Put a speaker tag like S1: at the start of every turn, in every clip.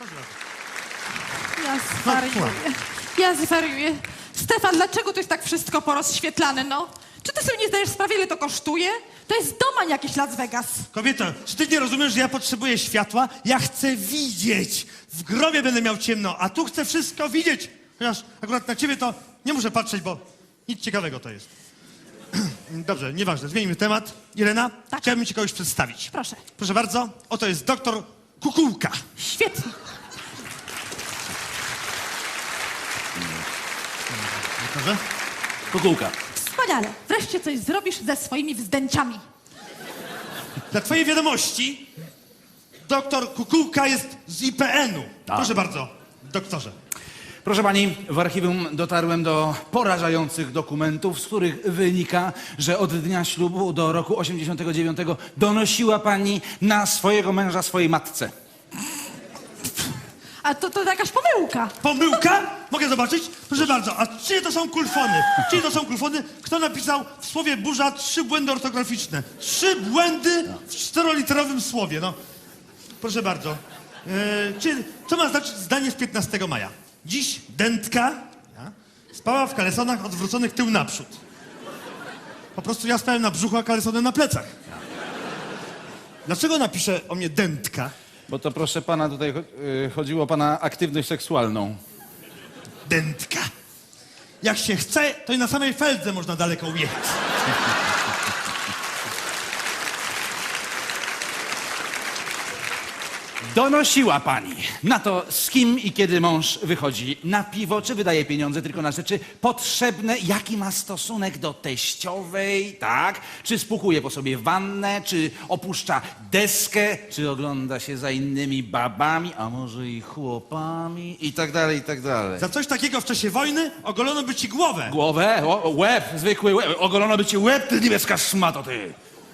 S1: Proszę bardzo.
S2: Ja zwariuję. Ja zwariuję. Stefan, dlaczego to jest tak wszystko porozświetlane, no? Czy ty sobie nie zdajesz sprawy, ile to kosztuje? To jest domań jakiś Las Vegas.
S1: Kobieto, czy ty nie rozumiesz, że ja potrzebuję światła? Ja chcę widzieć. W grobie będę miał ciemno, a tu chcę wszystko widzieć. Chociaż akurat na ciebie to nie muszę patrzeć, bo nic ciekawego to jest. Dobrze, nieważne, zmienimy temat. Irena,
S2: Tak.
S1: chciałbym ci kogoś przedstawić.
S2: Proszę.
S1: Proszę bardzo, oto jest doktor Kukułka.
S2: Świetnie.
S1: Doktorze?
S3: Kukułka.
S2: Wspaniale. Wreszcie coś zrobisz ze swoimi wzdęciami.
S1: Dla twojej wiadomości, doktor Kukułka jest z IPN-u.
S3: Tak.
S1: Proszę bardzo, doktorze.
S3: Proszę pani, w archiwum dotarłem do porażających dokumentów, z których wynika, że od dnia ślubu do roku 89 donosiła pani na swojego męża swojej matce.
S2: A to jakaś pomyłka.
S1: Pomyłka? Mogę zobaczyć? Proszę bardzo, a czyje to są kulfony? Czyje to są kulfony? Kto napisał w słowie burza 3 błędy ortograficzne? 3 błędy w 4-literowym słowie, no. Proszę bardzo. Co ma znaczyć zdanie z 15 maja? Dziś dętka spała w kalesonach odwróconych tył naprzód. Po prostu ja spałem na brzuchu, a kalesony na plecach. Dlaczego napiszę o mnie dętka?
S3: Bo to, proszę pana, tutaj chodziło o pana aktywność seksualną.
S1: Dętka. Jak się chce, to i na samej feldze można daleko ujechać.
S3: Donosiła pani na to, z kim i kiedy mąż wychodzi na piwo, czy wydaje pieniądze tylko na rzeczy potrzebne, jaki ma stosunek do teściowej, tak? Czy spłukuje po sobie wannę, czy opuszcza deskę, czy ogląda się za innymi babami, a może i chłopami, i tak dalej, i tak dalej.
S1: Za coś takiego w czasie wojny ogolono by ci głowę.
S3: Głowę? Łeb, zwykły łeb. Ogolono by ci łeb, ty niebieska szmato, ty.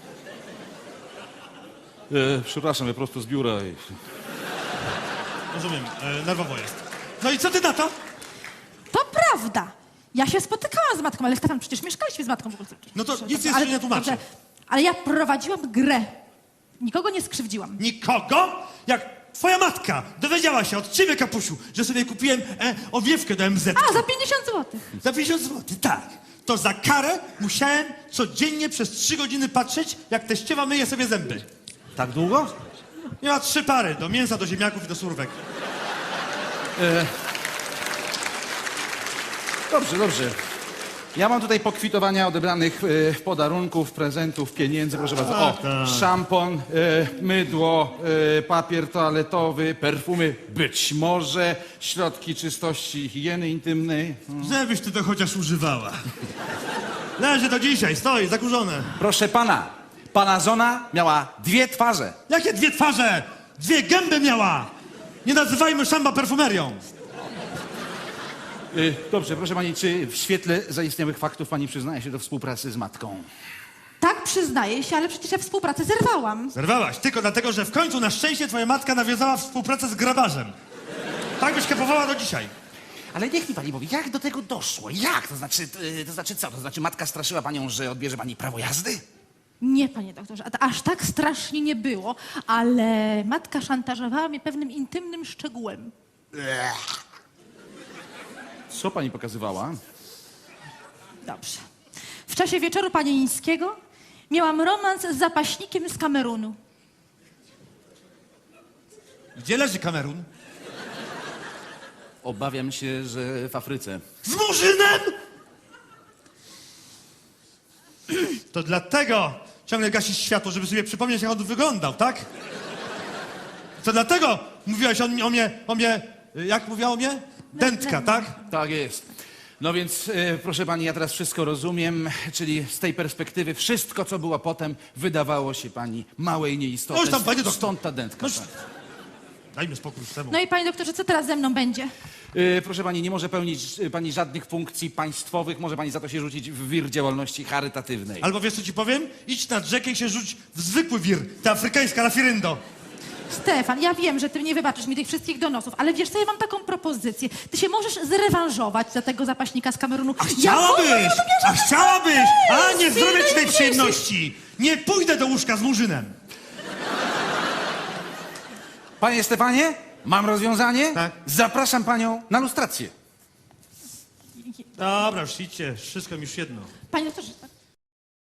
S3: Przepraszam, ja prosto z biura.
S1: Rozumiem, nerwowo jest. No i co ty na to?
S2: To prawda. Ja się spotykałam z matką, ale Stefan, przecież mieszkaliśmy z matką w ogóle.
S1: No to nic
S2: Ale-
S1: jeszcze nie tłumaczę.
S2: dobrze, ale ja prowadziłam grę. Nikogo nie skrzywdziłam.
S1: Nikogo? Jak twoja matka dowiedziała się od ciebie, kapusiu, że sobie kupiłem owiewkę do MZ.
S2: A, za 50 zł.
S1: Za 50 zł, tak. To za karę musiałem codziennie przez 3 godziny patrzeć, jak teściowa myje sobie zęby.
S3: Tak długo?
S1: Miała 3 pary, do mięsa, do ziemniaków i do surówek.
S3: Dobrze, dobrze. Ja mam tutaj pokwitowania odebranych podarunków, prezentów, pieniędzy, proszę bardzo. O, szampon, mydło, papier toaletowy, perfumy, być może, środki czystości i higieny intymnej.
S1: Żebyś ty to chociaż używała. Leży do dzisiaj, stoi, zakurzone.
S3: Proszę pana, pana żona miała 2 twarze.
S1: Jakie 2 twarze? 2 gęby miała! Nie nazywajmy szamba perfumerią.
S3: Dobrze, proszę pani, czy w świetle zaistniałych faktów pani przyznaje się do współpracy z matką?
S2: Tak, przyznaję się, ale przecież ja współpracę zerwałam.
S1: Zerwałaś tylko dlatego, że w końcu na szczęście twoja matka nawiązała współpracę z grabarzem. Tak byś kapowała do dzisiaj.
S3: Ale niech mi pani powie, jak do tego doszło? Jak? To znaczy co? To znaczy matka straszyła panią, że odbierze pani prawo jazdy?
S2: Nie, panie doktorze, aż tak strasznie nie było, ale matka szantażowała mnie pewnym intymnym szczegółem.
S3: Co pani pokazywała?
S2: Dobrze. W czasie wieczoru panieńskiego miałam romans z zapaśnikiem z Kamerunu.
S1: Gdzie leży Kamerun?
S3: Obawiam się, że w Afryce.
S1: Z Murzynem? To dlatego ciągle gasisz światło, żeby sobie przypomnieć, jak on wyglądał, tak? To dlatego mówiłaś o mnie, jak mówiła o mnie? Dętka, tak?
S3: Tak jest. No więc, proszę pani, ja teraz wszystko rozumiem, czyli z tej perspektywy wszystko, co było potem, wydawało się pani małe i nieistotne.
S1: No już tam, panie doktor.
S3: Stąd ta dętka.
S1: No,
S3: tak.
S1: dajmy spokój z temu.
S2: No i panie doktorze, co teraz ze mną będzie?
S3: Proszę pani, nie może pełnić pani żadnych funkcji państwowych, może pani za to się rzucić w wir działalności charytatywnej.
S1: Albo wiesz, co ci powiem? Idź nad rzekę i się rzuć w zwykły wir, ta afrykańska lafiryndo.
S2: Stefan, ja wiem, że ty nie wybaczysz mi tych wszystkich donosów, ale wiesz co, ja mam taką propozycję. Ty się możesz zrewanżować za tego zapaśnika z Kamerunu.
S1: A chciałabyś! A chciałabyś! A nie zrobię ci tej
S2: synu,
S1: przyjemności! Nie pójdę do łóżka z Murzynem!
S3: Panie Stefanie, Mam rozwiązanie?
S1: Tak.
S3: Zapraszam panią na lustrację.
S1: Dobra, już idźcie, wszystko mi już jedno.
S2: Panie doktorze, tak.